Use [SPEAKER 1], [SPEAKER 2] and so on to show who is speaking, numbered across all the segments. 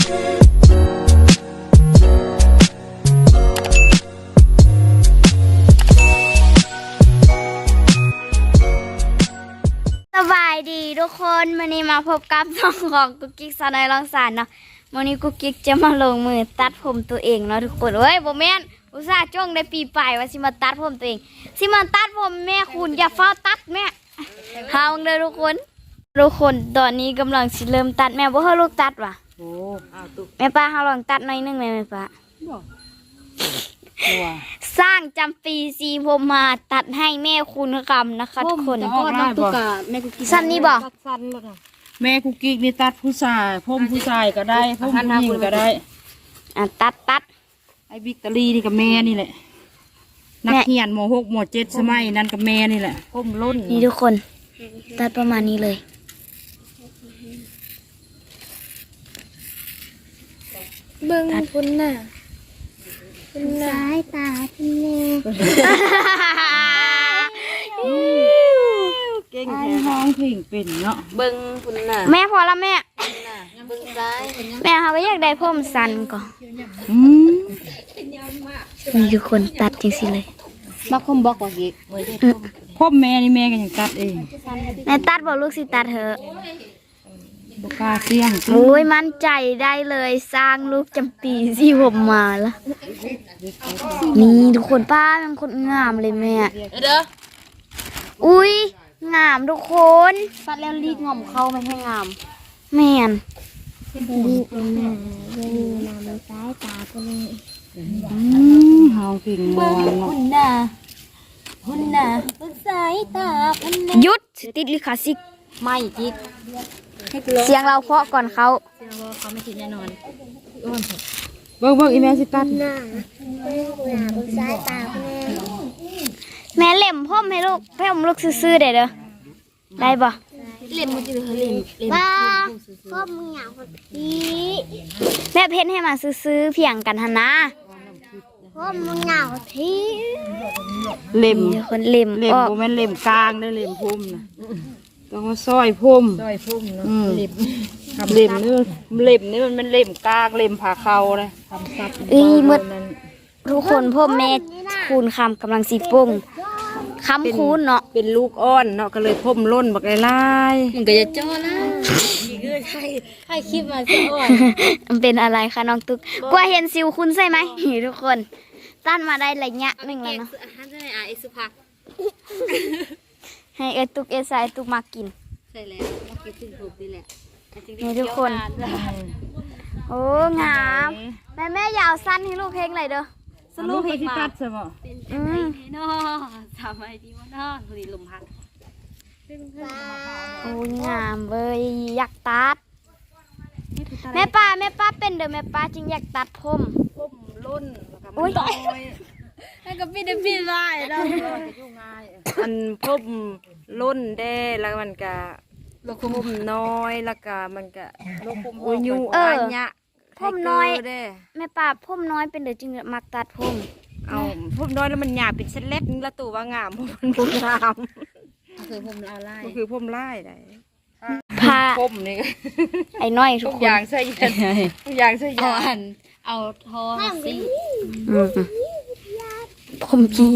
[SPEAKER 1] สบายดีทุกคนวันนี้มาพบกับน้องของกุ๊กกิ๊กสาวน้อยรังสรรค์เนาะวันนี้กุ๊กกิ๊กจะมาลงมือตัดผมตัวเองเนาะทุกคนเฮ้ยโบแมนอุตส่าห์จ้องได้ปีปลายว่าสิมาตัดผมตัวเองสิมาตัดผมแม่คุณอย่าเฝ้าตัดแม่หาวังเลยทุกคนตอนนี้กำลังสิเริ่มตัดแม่บ่ให้ลูกตัดว่ะโอ้แม่ป้าเฮาลองตัดหน่อยนึงเลยแม่ป้าสร้างจำปีซีผมมาตัดให้แม่คุณคำนะคะทุกคนสั้นนี่บอก
[SPEAKER 2] แม่กุ๊กกิ๊กนี่ตัดผู้ชายผมผู้ชายก็ได้ผมผู้หญิงก็ได้
[SPEAKER 1] ตัด
[SPEAKER 2] ไอ้บิ๊กตอรี่นี่กับแม่นี่แหละนักเรียนม.6 ม.7 สมัยนั้นกับแม่นี่แหละผมล้น
[SPEAKER 1] นี่ทุกคนตัดประมาณนี้เลย
[SPEAKER 3] เบิ้งคุณน่ะคุณสายตาคุณแม่
[SPEAKER 2] เก่งแท้ห้องเพลงเป็นเนาะ
[SPEAKER 3] เบิ้งคุณน่ะ
[SPEAKER 1] แม่พอแล้วแม่
[SPEAKER 3] เบิ้งซ้าย
[SPEAKER 1] แม่เขาก็อยากได้ผมสั้นก่อนนี่ทุกคนตัดจริงสิเลย
[SPEAKER 3] บักคมบอกว่าอีก
[SPEAKER 2] ผมแม่นี่แม่ก็ยังตัดเอง
[SPEAKER 1] แม่ตัดบอกลูกสิตัดเถอะ
[SPEAKER 2] บุกาเสี่ยง
[SPEAKER 1] โอ้ยมั่นใจได้เลยสร้างลูกจำปีที่ผมมาละนี่ทุกคนป้าเป็นคนงามเลยแม่
[SPEAKER 3] เด้อ
[SPEAKER 1] อุ้ยงามทุกคน
[SPEAKER 3] ตัดแล้วรีดงอมเข้าไม่ให้งาม
[SPEAKER 1] แม่น
[SPEAKER 3] รีดหน้าเบิ้งหน้ามันซ้ายตาคุณแม่
[SPEAKER 2] ห้องเพลงมวนเนาะ
[SPEAKER 3] คุณน่ะเบิ้งซ้ายตาคุณแม่
[SPEAKER 1] หยุดติดลิขสิทธิ์
[SPEAKER 3] ไม่จิก
[SPEAKER 1] เสียงเราเพาะก่อนเขา
[SPEAKER 3] ไม่ติดแน่นอน
[SPEAKER 2] เบิ้งอีแม่สิตัด
[SPEAKER 3] หน้าเบิ้งซ้ายตาคุณแม่
[SPEAKER 1] แม่เล่มพ่อมให้ลูกให้ผมลูกซื้อๆได้เด้อได้บ่
[SPEAKER 3] เล่มมันจะเล่ม
[SPEAKER 1] บ้า
[SPEAKER 3] พ่อมึงอยากพี่
[SPEAKER 1] แม่เพ้นให้มาซื้อเพียงกันหนะ
[SPEAKER 3] พ่อมึงอยากพี่
[SPEAKER 2] เล่ม
[SPEAKER 1] คนเล่ม
[SPEAKER 2] โบแม่นเล่มกลางได้เล่มพุ่มนะต้องมาซอยพุ่ม
[SPEAKER 3] เนาะ
[SPEAKER 2] เล่มนี่มันเล่มกลางเล่มผ่าเข่าเลย
[SPEAKER 1] ทำซับมืดทุกคนพ่อแม่คูณคำกำลังสีปุ่งคำคูณเนาะ
[SPEAKER 2] เป็นลูกอ้อนเนาะก็เลยพุ่มล้นบักไล่
[SPEAKER 3] มันก็จะจ้อนะนี่คือใครคลิปมาจ้อ
[SPEAKER 1] มันเป็นอะไรคะน้องตุ๊กกลัวเห็นสิวคุณใช่ไหมทุกคนตั้นมาได้ระยะหนึ่งแล้วเนาะให้ตุ๊กใส่ตุ๊กมากิน
[SPEAKER 3] ใช่แล้วมากินถึงผมนี่แหละ
[SPEAKER 1] นี่ทุกคนโอ้งามแม่ยาวสั้นให้ลูกเพลงอะไรเด้อ
[SPEAKER 2] สรุปเพลงที่ตัดใช่ไหม
[SPEAKER 3] เนาะทำไมดีวะเนาะพอดีลมพัด
[SPEAKER 1] โอ้งามเว้ยอยากตัดแม่ป้าเป็นเด้อแม่ป้าจึงอยากตัดผม
[SPEAKER 2] ล้น
[SPEAKER 1] โอ้ย
[SPEAKER 3] ให้กับพี่ได้พี่ได้เรา
[SPEAKER 2] อันพุ่มล้นได้แล้วมันก็พุ่มน้อยแล้วก็มันก็อุ้ยยูอันยะ
[SPEAKER 1] พุ่มน้อยแม่ป้าพุ่มน้อยเป็นเด้อจึงมักตัดผม
[SPEAKER 2] เอาพุ่มน้อยแล้วมันหยาบเป็นเส้นเล็กแล้วตัวว่างามพุ่มงาม
[SPEAKER 3] คือพุ่มลาไล่
[SPEAKER 2] คือพุ่มไล่ได้
[SPEAKER 1] ผ้า
[SPEAKER 2] พุ่มนี่
[SPEAKER 1] ไอ้น้อยทุก
[SPEAKER 2] อย่างใส่ยันทุกอย่างใส่ยัน
[SPEAKER 3] เอาทอสิ
[SPEAKER 1] ผมพี่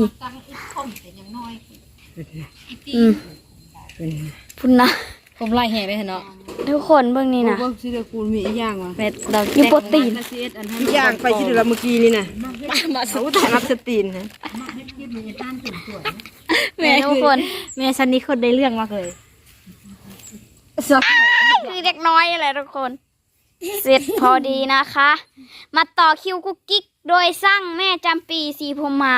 [SPEAKER 1] พุ่นนะ
[SPEAKER 3] ผมไล่แห่ไปเถอะเนาะ
[SPEAKER 1] ทุกคนเบื้องนี้นะ
[SPEAKER 2] เบื้องซีเดคูลมีอย่างวะ
[SPEAKER 1] เรามีโปรตีน
[SPEAKER 2] อย่างไปที่เราเมื่อกี้นี่นะมาสู้แต่รับสตีนนะ
[SPEAKER 1] แม่ทุกคน
[SPEAKER 3] แม่ฉันนี่คนได้เรื่องมากเลย
[SPEAKER 1] คือเด็กน้อยอะไรทุกคนเสร็จพอดีนะคะมาต่อคิวกุ๊กกิ๊กโดยสร้างแม่จำปีสีพมา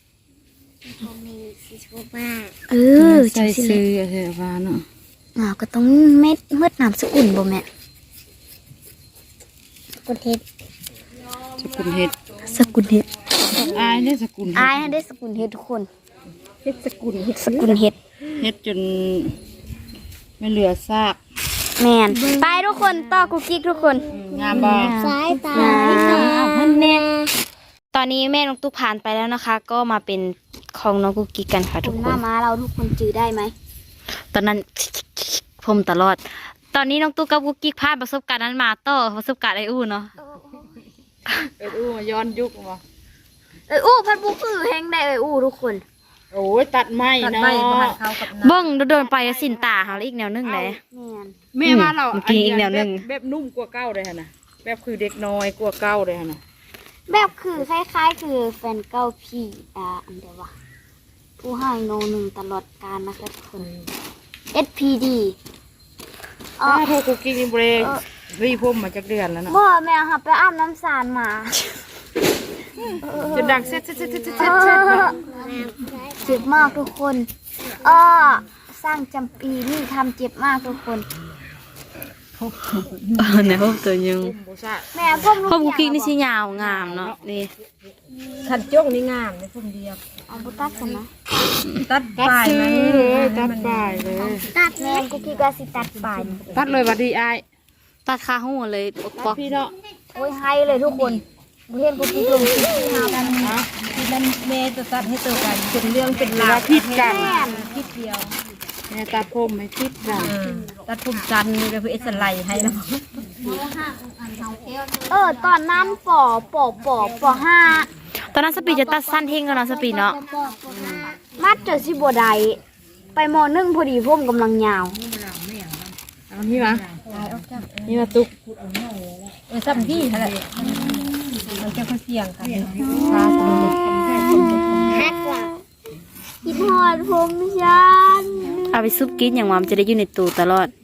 [SPEAKER 2] ใส่ซื้ออะไรบ้างเนาะ
[SPEAKER 1] ก็ต้องเม็ดมืดน้ำสกุลบ่แม่
[SPEAKER 3] สกุลเห็ด
[SPEAKER 2] อายได้สกุล
[SPEAKER 1] ได้สกุลเห็ดทุกคน
[SPEAKER 2] เห็ดสกุล
[SPEAKER 1] เห็ด
[SPEAKER 2] จนไม่เหลือซาก
[SPEAKER 1] แมนไปทุกคนต่อกุ๊กกิ๊กทุกคน
[SPEAKER 2] งามบ้าง
[SPEAKER 3] สายตา
[SPEAKER 1] แม่ตอนนี้แม่น้องตุ๊กผ่านไปแล้วนะคะก็มาเป็นของน้องกุ๊กกิ๊กกันค่ะทุกคน
[SPEAKER 3] หน้าม้าเราทุกคนจื้อได้ไหม
[SPEAKER 1] ตอนนั้นผมตลอดตอนนี้น้องตุ๊กกับกุ๊กกิ๊กผ่านประสบการณ์นั้นมาต่อประสบการณ์ไอ้อู้เนาะ
[SPEAKER 2] อู้ย้อนยุคมา
[SPEAKER 1] อู้พัดบุคือแห้งได้อู้ทุกคน
[SPEAKER 2] โอ้ยตัดไม้เนาะ
[SPEAKER 1] เบิ้งโดนไปสินตาเขาอีกแนวนึงเลย
[SPEAKER 2] แม่ว่าเรา
[SPEAKER 1] เมื่อกี้อีกแนวหนึ่ง
[SPEAKER 2] แบบนุ่มกว่าเก้าเลยฮะนะแบบคือเด็กน้อยกว่าเก้าเลยฮะนะ
[SPEAKER 1] แบบคือคล้ายๆ คือแฟนเก่าพี่อันเดียววะผู้ให้โนหนึ่งตลอดกาลนะคะทุกคน SPD
[SPEAKER 2] ถ้าโทรคุกกี้นี่เบรกรีพมมาจากเดือนแล้วเนาะ
[SPEAKER 1] บ่แม่ค่ะไปอาบน้ำสารมา
[SPEAKER 2] จะดังเซ็ตเซ็ตเซ็ตเซ็ตเซ็ต
[SPEAKER 1] เจ็บมากทุกคนสร้างจำปีนี่ทำเจ็บมากทุกคน
[SPEAKER 4] ในพบตัวยัง
[SPEAKER 2] โบซ่า
[SPEAKER 1] แม่พ่อม
[SPEAKER 4] พบกุกกิ๊กนี่สิยาวงามเนาะนี่
[SPEAKER 2] ขันจ้องนี่งามในพุ่มเดียว
[SPEAKER 1] เอาบุตัดกันนะ
[SPEAKER 2] ตัดปลายมันเลยตัดปลายเลย
[SPEAKER 1] ตัดแม่กุกกี้ก็สิตัดปลาย
[SPEAKER 2] ตัดเลยบัดดีไอาย
[SPEAKER 4] ตัดขาหัวเลยป
[SPEAKER 2] ตั
[SPEAKER 4] อ
[SPEAKER 2] ด
[SPEAKER 4] ก
[SPEAKER 2] พี่เนาะ
[SPEAKER 1] โอ้ยให้เลยทุกคนเห็นกุกกี้ลงที่หากัน
[SPEAKER 2] ที่นั่นแม่จะตัดให้ตัวกันเป็นเรื่องเป็นราวพิษกันพิษเดียวแม่ตัดผมไม่พิษกันตัดผมจันนี่ก็คือเอสไลให้นะ
[SPEAKER 1] ตอนนั้นปห้า
[SPEAKER 4] ตอนนั้นสปีจะตัดสั้นเท่งกันเนาะสปีเนาะ
[SPEAKER 1] มัดเจอสิบัวใดไปม.1พอดีผมกำลังยาว
[SPEAKER 2] เอานี่มานี่มาตุกซ้ำพี่อะไรมันจะค่อยเสี่ยงค่ะ
[SPEAKER 1] ฮักว่ะคิดฮอดผมฉัน
[SPEAKER 4] เอาไปซุปกินอย่างว่ามันจะได้อยู่ในตู้ตลอด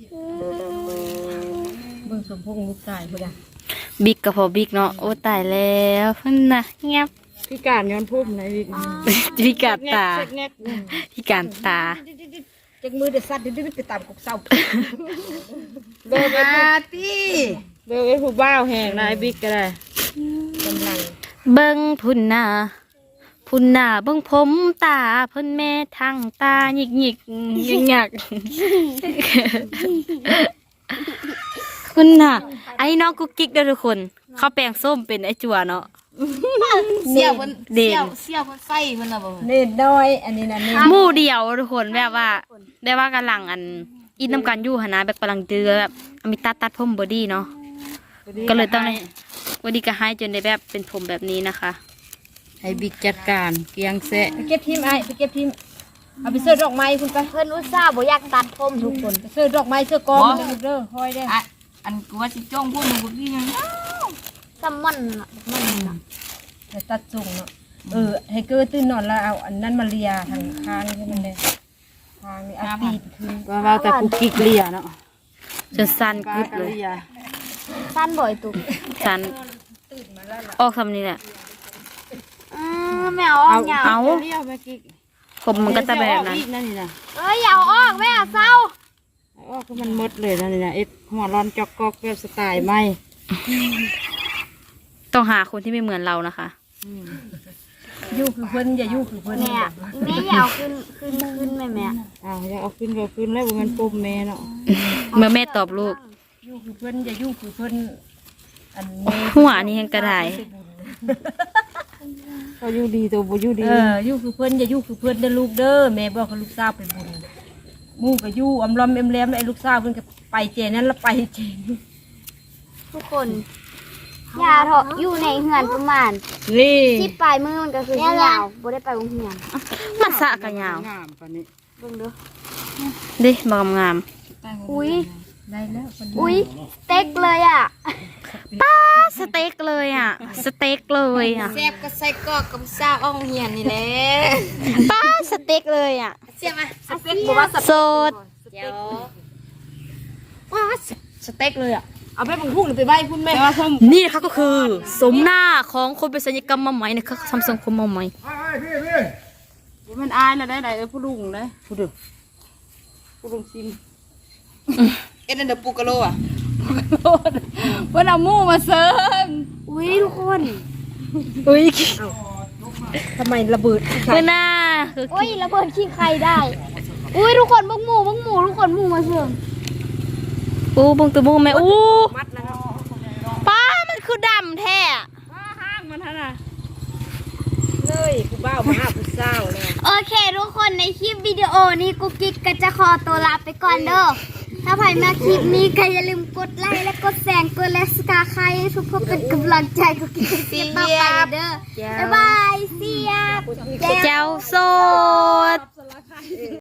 [SPEAKER 2] เบิ่งสมพงษ์ลูกชายพุ่นน่ะ
[SPEAKER 4] บิ๊กกับพอบิ๊กเนาะโอ้ตายแล้วพุ่นนะเงียบ
[SPEAKER 2] พี่การย้อนพุ่มไหนวิก
[SPEAKER 4] พิการตาพิการตา
[SPEAKER 2] จักมือเดือดซัดดื้อไปตามกบเศร้าเบลเป็นตี้เบลเป็นผู้บ้าวแห่งนายบิ๊กก็ได้กำลัง
[SPEAKER 4] เบิ้งพุ่นหน้าเบิ้งผมตาเพิ่นแม่ทางตาหยิกหยิกยิงหยักคุณน่ะไอ้น้องกุ๊กกิ๊กเด้อทุกคนเขาแปลงส้มเป็นไอ้จั่วเนาะ
[SPEAKER 3] เสี่ยวเพิ่น
[SPEAKER 4] เด่น
[SPEAKER 3] เสี่ยวเพิ่นใส่เพิ่นน่ะบ่
[SPEAKER 2] เน็ตน้อยอันนี้นะเน็ต
[SPEAKER 4] หมู่เดียวทุกคนแบบว่าได้ว่ากำลังอินน้ำกันอยู่หนนะแบบกำลังเดือแบบมีตัดผมบอดี้เนาะก็เลยต้องวันดีก็ให้จนได้แบบเป็นผมแบบนี้นะคะ
[SPEAKER 2] ให้บิ๊กจัดการเกียงแซะไปเก็บทิมไอ้ไปเก็บทิมเอาไปเสื้อดอกไม้คุณไป
[SPEAKER 1] เพิ่นอุตส่าห์บ่อยากตัดผมทุกคน
[SPEAKER 2] เสื้อดอกไม้เสื้อกองเด้อคอยได้
[SPEAKER 3] อันกูว่าสิจ้องพวกมึงกูพี่ยัง
[SPEAKER 1] ซัมมันน่ะมันน่ะ
[SPEAKER 2] แต่ตัดส่งเนาะให้เกิดตื่นนอนแล้วเอาอันนั้นมาเลียทางข้างให้มันเลยทางนี้เอาปีกขึ้นว่าแต่กูกิกเลียเนาะ
[SPEAKER 4] จนสั้นกึดเลย
[SPEAKER 1] สั้นบ่อยตุก
[SPEAKER 4] สั้นออกคำนี้แหละ
[SPEAKER 1] แม่เอาออกยาว
[SPEAKER 4] เอา
[SPEAKER 2] เลียมากิก
[SPEAKER 4] ผมมันก็จะแบบนั้น
[SPEAKER 2] นั่นนี่นะ
[SPEAKER 1] อย่าเอาออกแม่เศร้า
[SPEAKER 2] อ๋อก็มันมดเลยนั่นนี่นะหัวร้อนจอกกอกแบบสไตล์ไหม
[SPEAKER 4] ต้องหาคนที่ไม่เหมือนเรานะคะ
[SPEAKER 2] ยู่คือเพิ่นอย่ายู่คือเพิ่น
[SPEAKER 1] แม่แม่อย่าเอาขึ้นแม่
[SPEAKER 2] อย่าเอาขึ้นก็ขึ้นแล้วมันปุ่มแม่เนาะ
[SPEAKER 4] เมื่อแม่ตอบลูก
[SPEAKER 2] ยู่คือเพิ่นอย่ายู่คือเพิ่นอัน
[SPEAKER 4] หัวนี่ยังกระได
[SPEAKER 2] ก็ยู่ดีตัวบ่ยู่ดียู่คือเพิ่นอย่ายู่คือเพิ่นเด้อลูกเด้อแม่บอกให้ลูกสาวไปบุญหมู่ก็ยู่อำลอมแอมไอ้ลูกสาวเพิ่นก็ไปเจนั้นแล้วไปเจน
[SPEAKER 1] ทุกคนอย่าเถอะอยู่ในเหือนประมาณ
[SPEAKER 2] นี่
[SPEAKER 1] ที่ปลายมือมันก็คือยาวบ่ได้ไปโรงเรียน
[SPEAKER 4] มันสะกันยาว
[SPEAKER 2] งามปานนี้
[SPEAKER 1] เบิ่งเด้อ
[SPEAKER 4] ดิมางาม
[SPEAKER 1] อุ้ย
[SPEAKER 2] ได้แล้ว
[SPEAKER 1] อุ้ยเต็กเลยอ่ะ
[SPEAKER 4] ป้าสเต็กเลยอ่ะ สเต็กเลยอ่ะ
[SPEAKER 3] แซ่บก็ใส่กอกกับซาอ้องเหียนนี่แหละ
[SPEAKER 4] ป้าสเต็กเลยอ่ะ
[SPEAKER 3] เสียมาสเต็กบ่ว่า
[SPEAKER 4] โสด
[SPEAKER 3] เดี๋ยว
[SPEAKER 2] ว้าสเต็กเลยอ่ะเอาไปบังพุ่งหรือไปใบพุ่นแม่ว่าส้ม
[SPEAKER 4] นี่นะคะก็คือ สมหน้าของคนเป็นศัลยกรรมมาใหม่นะคะทำทรงผมมาใหม่
[SPEAKER 2] มันอายแล้วได้ผู้ลุงได้ผู้ดึกผู้ลุงซิม
[SPEAKER 3] เอ็นเดอร์ปูกะโลอ่ะ
[SPEAKER 2] เพิ่นเอาหมู่มาเซิง
[SPEAKER 1] อุ้ยทุกคน
[SPEAKER 4] อุ้ย
[SPEAKER 2] ทำไมระเบิด
[SPEAKER 4] คือหน้าคือ
[SPEAKER 1] อุ้ยระเบิดขี้ใครได้อุ้ยทุกคนบักหมูทุกคนหมูมาเสื่อม
[SPEAKER 4] อู้บงตัวบงแม่อู้
[SPEAKER 2] มัดแล้ว
[SPEAKER 4] ป้ามันคือดำแท้
[SPEAKER 2] ห้างมันท่าน่ะเลยผู้บ่าวมาหาผู้สาวเลย
[SPEAKER 1] โอเคทุกคนในคลิปวิดีโอนี้กุ๊กกิ๊กก็จะขอตัวลาไปก่อนเด้อถ้าใครมาคลิปนี้ก็อย่าลืมกดไลค์และกดแสงกดและสกาใครทุกคนเป็นกำลังใจกุ๊กกิ๊กคลิปต่อไปเด้อบ๊ายบายเสียบ
[SPEAKER 4] เจ้าโสด